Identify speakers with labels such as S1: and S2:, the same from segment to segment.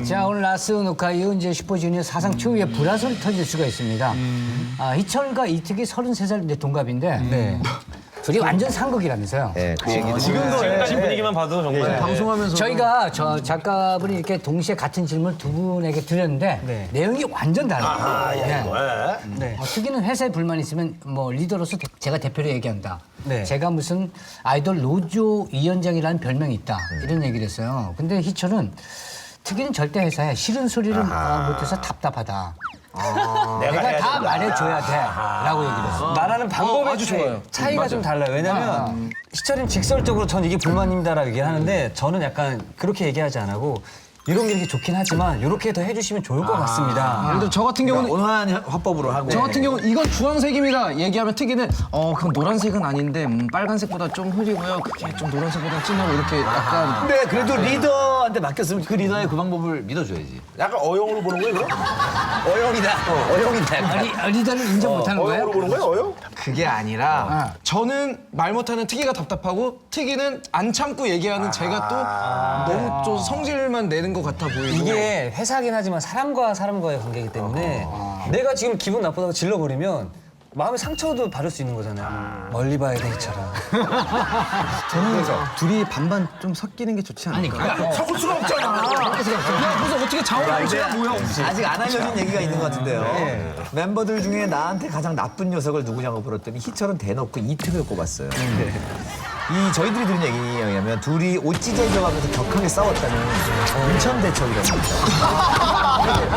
S1: 자, 오늘 라스 녹화 이후 이제 슈퍼주니어 사상 최후의 불화설이 터질 수가 있습니다. 희철과 이특이 33살 동갑인데 둘이 완전 상극이라면서요.
S2: 네, 그 얘기도
S3: 지금까지 분위기만 봐도 정말
S4: 방송하면서
S1: 저희가 저 작가분이 이렇게 동시에 같은 질문을 두 분에게 드렸는데 내용이 완전 달라요. 특이는 회사에 불만 있으면 뭐 리더로서 제가 대표로 얘기한다. 제가 무슨 아이돌 노조 위원장이라는 별명이 있다. 이런 얘기를 했어요. 근데 희철은 특이는 절대 회사에 싫은 소리를 못해서 답답하다. 내가 다 말해줘야 돼. 라고 얘기를 했어요.
S5: 말하는 방법에
S4: 아주 좋아요.
S5: 차이가 좀 달라요. 왜냐면 희철이는 직설적으로 전 이게 불만입니다라고 얘기를 하는데 저는 약간 그렇게 얘기하지 안 하고 이런 게 이렇게 좋긴 하지만 이렇게 더 해주시면 좋을 것 같습니다.
S4: 예를 들어 저 같은 경우는
S2: 온화한 화법으로 하고.
S4: 저 같은 경우는 이건 주황색입니다. 얘기하면 특이는 그럼 노란색은 아닌데 빨간색보다 좀 흐리고요. 그게 좀 노란색보다 진하고 이렇게 약간
S2: 근데 그래도 리더한테 맡겼으면 그 리더의 그 방법을 믿어줘야지.
S6: 약간 어용으로 보는 거예요, 그럼?
S2: 어영이다. 약간.
S1: 리더를 인정 못하는 거예요?
S6: 어용으로 보는 거예요, 어용?
S4: 그게 아니라 저는 말 못하는 특이가 답답하고 특이는 안 참고 얘기하는 제가 또 너무 좀 성질만 내는 것 같아 보이고
S5: 이게 회사긴 하지만 사람과 사람과의 관계이기 때문에 내가 지금 기분 나쁘다고 질러버리면 마음의 상처도 받을 수 있는 거잖아요. 멀리 봐야 돼, 희철아.
S4: 저는 둘이 반반 좀 섞이는 게 좋지 않을까?
S6: 섞을 수가 없잖아.
S4: 그래서 어떻게 자원봉사가 뭐야?
S2: 아직 안 알려진 얘기가 있는 것 같은데요. 멤버들 중에 나한테 가장 나쁜 녀석을 누구냐고 물었더니 희철은 대놓고 이특을 꼽았어요. 이 저희들이 들은 얘기에 의하면 둘이 옷 찢어져가면서 격하게 싸웠다는 인천 대첩이라고 합니다.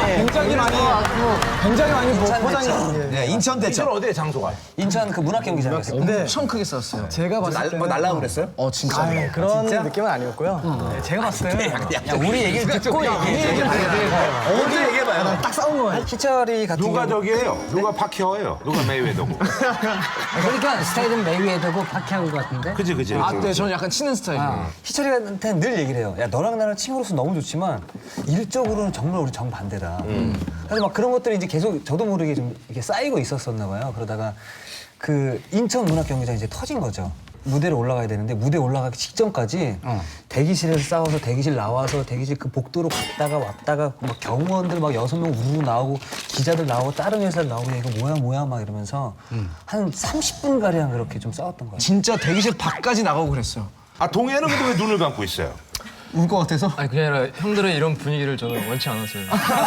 S4: 굉장히 많이 포장이
S2: 네, 인천 대첩.
S6: 이건 어디에 장소가?
S5: 인천 그 문학경기장에서.
S4: 엄청 크게 썼어요. 제가 봤을 때
S2: 뭐 날라고 그랬어요?
S4: 진짜
S7: 그런 느낌은 아니었고요. 네, 제가 봤을 때는
S5: 야, 우리 얘기를 듣고 얘기해.
S2: 언제 얘기해봐요.
S7: 딱 싸운 거예요.
S5: 희철이 같은
S6: 누가
S5: 경우
S6: 저기예요? 누가 파키어예요? 누가 메이웨더고?
S1: 그러니까 스타일은 메이웨더고 파키아오 같은데?
S6: 그지.
S4: 네, 저는 약간 치는 스타일이에요.
S5: 희철이한테는 늘 얘기를 해요. 야, 너랑 나랑 친구로서 너무 좋지만 일적으로는 정말 우리 정반대다. 그래서 막 그런 것들이 이제 계속 저도 모르게 좀 이렇게 쌓이고 있었었나 봐요. 그러다가 그 인천 문학경기장이 이제 터진 거죠. 무대로 올라가야 되는데 무대 올라가기 직전까지 대기실에서 싸워서 대기실 나와서 대기실 그 복도로 갔다가 왔다가 막 경호원들 막 6명 우르르 나오고 기자들 나오고 다른 회사 나오고 이거 뭐야 막 이러면서 한 30분 가량 그렇게 좀 싸웠던 거예요.
S4: 진짜 대기실 밖까지 나가고 그랬어요.
S6: 아, 동해는 근데 왜 눈을 감고 있어요?
S4: 울 것 같아서.
S7: 아니 그게 아니라 형들의 이런 분위기를 저는 원치 않았어요.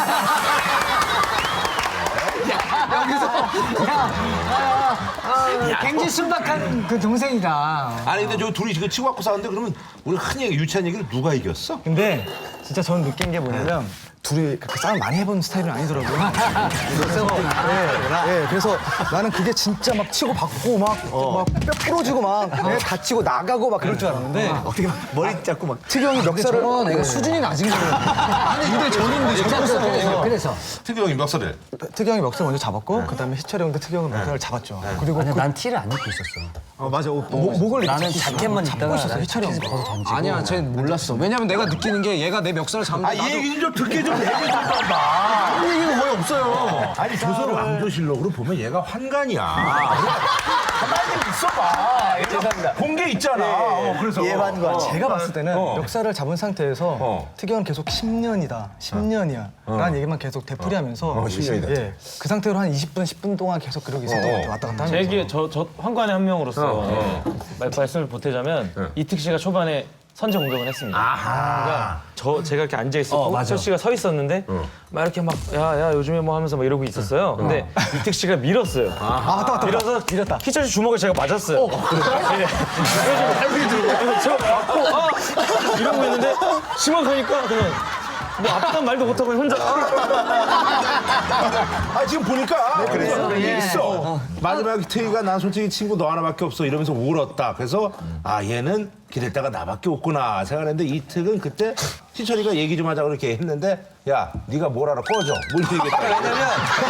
S1: 굉장히 순박한 그 동생이다.
S6: 아니, 근데 저 둘이 지금 치고 갖고 싸웠는데 그러면 우리 한 얘기, 유치한 얘기를 누가 이겼어?
S7: 근데 진짜 저는 느낀 게 뭐냐면 둘이 그렇게 싸움 많이 해본 스타일은 아니더라고요. 그래서 나는 그게 진짜 막 치고 받고 막 뼈 부러지고 막 다치고 나가고 막 그럴 줄 알았는데
S2: 어떻게 머리 잡고 막.
S7: 특이 형이 멱살을
S4: 애가 수준이 낮은 거예요. 근데 저는
S1: 그래서
S6: 특이 형이 멱살을.
S7: 특이 형이 멱살 먼저 잡았고 그다음에 희철이 형도 특이 형은 멱살을 잡았죠. 그리고
S5: 아니, 난 티를 안 입고 있었어.
S7: 맞아 목을
S5: 나는 자켓만 입다가 희철이 형 벗어 던지고.
S4: 아니야, 쟤는 몰랐어. 왜냐면 내가 느끼는 게 얘가 내 멱살을 잡는
S6: 아, 이 얘기는 좀 듣게 좀 얘기 좀 해봐.
S4: 그런 얘기가 거의 없어요.
S6: 아니, 조선 왕조실록으로 보면 얘가 환관이야. 가만히 좀 있어봐. 죄송합니다. 공개 있잖아. 그래서.
S2: 예반과.
S7: 제가 봤을 때는 멱살을 잡은 상태에서 특이 형은 계속 10년이다, 10년이야 라는 얘기만 계속 되풀이하면서
S6: 10년이다.
S7: 예, 그 상태로 한 20분, 10분 동안 계속 그러고 있었던 것 같아요. 왔다 갔다
S3: 제
S7: 하면서.
S3: 얘기 저 환관의 한 명으로서 말씀을 보태자면 이특 씨가 초반에 선제 공격을 했습니다. 그러니까 제가 이렇게 앉아 있었고 희철 씨가 서 있었는데 막 이렇게 막 야 요즘에 뭐 하면서 막 이러고 있었어요. 근데 이특 씨가 밀었어요. 밀어서 희철 씨 주먹을 제가 맞았어요. 네. 그래서 제가 맞고 이러고 있는데 심각하니까 그냥 뭐 아프단 말도 못하고 혼자
S6: 아, 지금 보니까 그런 얘기 있어. 마지막에 트이가 난 솔직히 친구 너 하나밖에 없어 이러면서 울었다. 그래서 아, 얘는 기댈 데가 나밖에 없구나 생각했는데 이특은 그때 희철이가 얘기 좀 하자고 이렇게 했는데 야, 네가 뭘 알아, 꺼져. 뭘 얘기했다.
S5: 왜냐면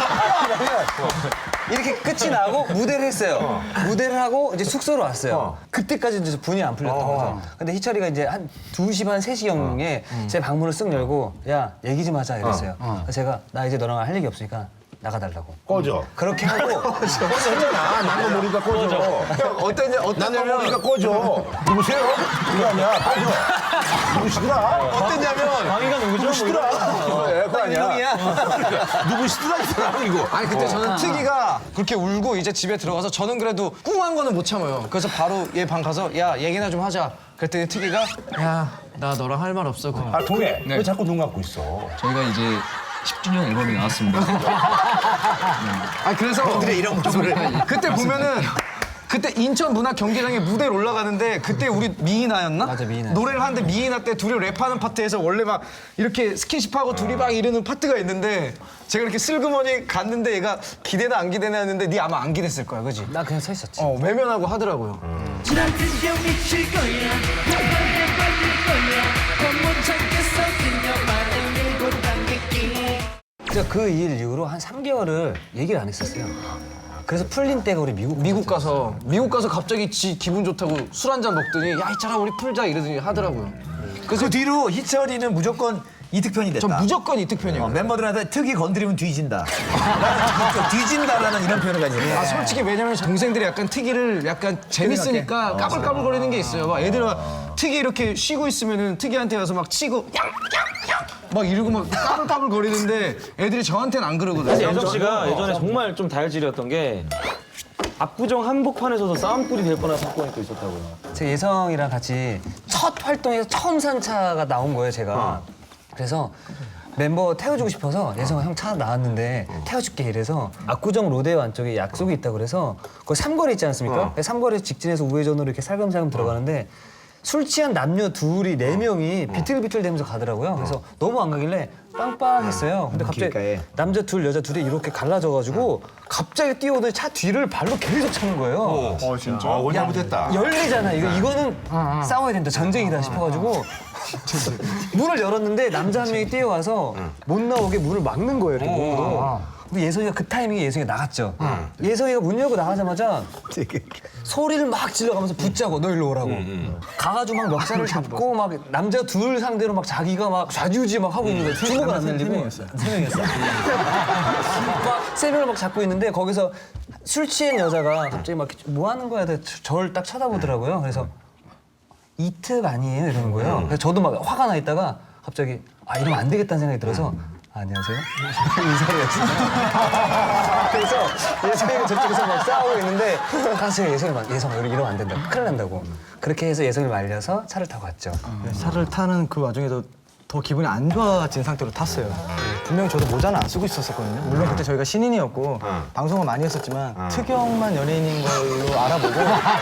S5: 이렇게 끝이 나고 무대를 했어요. 무대를 하고 이제 숙소로 왔어요. 그때까지 이제 분이 안 풀렸던 거죠. 근데 희철이가 이제 한 2시 반, 3시경에 제 방문을 쓱 열고 야, 얘기 좀 하자 이랬어요. 그래서 제가 나 이제 너랑 할 얘기 없으니까 나가달라고.
S6: 꺼져.
S5: 그렇게 하고
S6: 꺼졌잖아. 난거 모르니까 꺼져. 난거 모르니까 꺼져. 누구세요? 그거 아니야. 꺼져. 누구시더라?
S4: 어땠냐면
S3: 강의가 누구죠?
S6: 누구시더라? 그래, 그거 아니야. 누구시더라 이 사람 이거.
S4: 아니 그때 저는 특이가 그렇게 울고 이제 집에 들어가서 저는 그래도 꿍한 거는 못 참아요. 그래서 바로 얘 방 가서 야 얘기나 좀 하자. 그랬더니 특이가 야 나 너랑 할 말 없어.
S6: 아 동해. 왜 자꾸 눈 감고 있어?
S8: 저희가 이제 10주년 앨범이 나왔습니다.
S4: 아 그래서 이런 모습을 그때 보면은 그때 인천 문학 경기장에 무대에 올라가는데 그때 우리 미이나였나?
S5: 맞아, 미이나.
S4: 노래를 하는데 미이나 때 둘이 랩하는 파트에서 원래 막 이렇게 스킨십하고 둘이 막 이러는 파트가 있는데 제가 이렇게 슬그머니 갔는데 얘가 기대나 안 기대나 했는데 네 아마 안 기댔을 거야, 그지?
S5: 나 그냥 서 있었지.
S4: 외면하고 하더라고요.
S9: 난 드디어 미칠 거야 한번에 빠질 거야 못 참겠어 그녀만을 밀고 당길게
S5: 제가 그 일 이후로 한 3개월을 얘기를 안 했었어요. 그래서 풀린 때가 우리 미국
S4: 가서 갑자기 지 기분 좋다고 술 한 잔 먹더니 야 있잖아 우리 풀자 이러더니 하더라고요.
S2: 그 뒤로 희철이는 무조건 이특편이 됐다.
S4: 전 무조건 이특편이에요.
S2: 멤버들한테 특이 건드리면 뒤진다. 뒤진다라는 이런 표현을 가지고.
S4: 아 솔직히 왜냐면 동생들이 약간 특이를 약간 재밌으니까 까불까불거리는 게 있어요. 막 애들 막 특이 이렇게 쉬고 있으면은 특이한테 가서 막 치고 막 이러고 막 까불까불거리는데 애들이 저한테는 안 그러거든요.
S3: 예정 씨가 예전에 정말 좀 다혈질이었던 게 압구정 한복판에서도 싸움꾼이 될 뻔한 사건이 또 있었다고요.
S5: 제가 예성이랑 같이 첫 활동에서 처음 산 차가 나온 거예요, 제가. 그래서 멤버 태워주고 싶어서 예성아 형 차 나왔는데 태워줄게 이래서 압구정 로데오 안쪽에 약속이 있다고 그래서 거기 삼거리 있지 않습니까? 삼거리 직진해서 우회전으로 이렇게 살금살금 들어가는데 술 취한 남녀 둘이 4명이 비틀비틀 대면서 가더라고요. 그래서 너무 안 가길래 빵빵했어요. 근데 갑자기
S2: 길가에.
S5: 남자 둘, 여자 둘이 이렇게 갈라져가지고 갑자기 뛰어오더니 차 뒤를 발로 계속 차는 거예요.
S6: 진짜? 원 잘못했다.
S5: 열리잖아. 이거는 싸워야 된다. 전쟁이다 싶어가지고 문을 열었는데 남자 한 명이 뛰어와서 못 나오게 문을 막는 거예요. 이렇게 몸으로. 근데 예성이가 그 타이밍에 예성이가 나갔죠. 예성이가 문 열고 나가자마자 소리를 막 질러가면서 붙자고 너 일로 오라고. 가가지고 막 멱살을 잡고 막 남자 둘 상대로 막 자기가 막 좌지우지 막 하고 있는 거예요. 주먹을 안 날리고. 3명이었어. 막 3명을 막 잡고 있는데 거기서 술 취한 여자가 갑자기 막 뭐 하는 거야? 저를 딱 쳐다보더라고요. 그래서 이특 아니에요? 이러는 거예요. 그래서 저도 막 화가 나 있다가 갑자기 아 이러면 안 되겠다는 생각이 들어서 안녕하세요. 인사를 했어요. 그래서 예성이가 저쪽에서 막 싸우고 있는데 가서 예성아 이러면 안 된다. 큰일 난다고. 그렇게 해서 예성이를 말려서 차를 타고 갔죠.
S7: 차를 타는 그 와중에도 더 기분이 안 좋아진 상태로 탔어요. 분명히 저도 모자는 안 쓰고 있었거든요. 물론 그때 저희가 신인이었고 방송을 많이 했었지만 특영만 연예인인 걸로 알아보고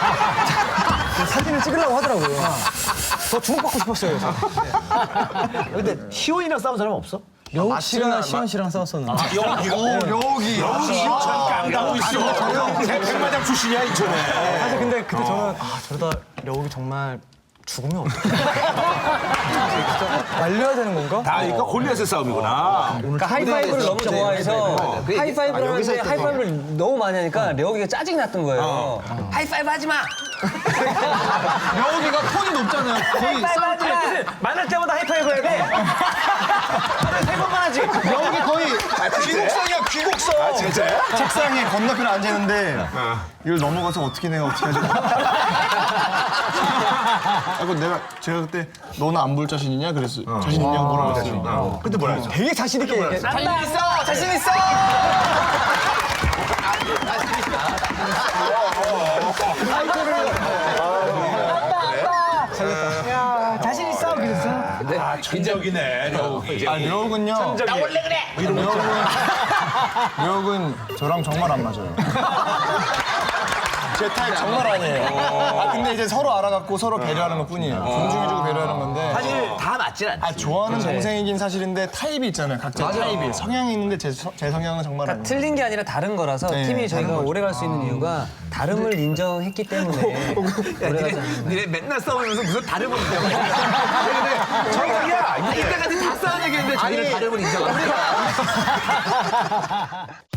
S7: 사진을 찍으려고 하더라고요. 더 주목받고 싶었어요. 그래서.
S2: 근데 희원이랑 싸운 사람 없어?
S7: 려욱 씨랑 시원 씨랑 싸웠었는데.
S6: 여기 깡다고 있어. 백마장 출신이야 인천에.
S7: 사실 근데 그때 저는 저러다 려욱이 정말 죽으면 어떡해. 말려야 되는 건가?
S6: 다 그러니까 골리앗의 싸움이구나.
S5: 그러니까 하이파이브를 너무 좋아해서 하이파이브를 하는데 하이파이브를 너무 많이 하니까 려욱이가 짜증이 났던 거예요. 하이파이브 하지 마!
S4: 여기가 톤이 높잖아요. 거의
S3: 하이파이브 만날 때마다 하이파이브 해야 돼. 하루에 3번만 하지.
S4: 여기 거의 귀곡성이야 귀곡성.
S6: 아 진짜요?
S7: 책상에 건너편에 앉아있는데 이걸 넘어가서 어떻게 내가 어떻게 하지? 제가 그때 너는 안 볼 자신 있냐? 그래서 자신 있냐고 물어봤어요.
S6: 근데 뭐라 했어?
S7: 되게 자신 있게 얘기해.
S4: 자신 있어.
S1: 자신 있어 그랬어.
S6: 아 천적이네.
S7: 려욱은요. 나 원래 그래. 려욱은 저랑 정말 안 맞아요. 제 타입 정말 아니에요. 근데 이제 서로 알아갖고 서로 배려하는 것뿐이에요. 존중해주고 배려하는 건데.
S2: 사실 다 맞진 않지.
S7: 좋아하는 동생이긴 사실인데 타입이 있잖아요. 각자 타입이. 성향이 있는데 제 성향은 정말 아니에요.
S5: 틀린 게 아니라 다른 거라서 팀이 저희가 오래 갈 수 있는 이유가 다름을 인정했기 때문에 오래 가지 않는
S2: 니네 맨날 싸우면서 무슨 다름을 인정. 저희가 이때까지 다 싸운 얘기했는데 저희는 다름을 인정합니다.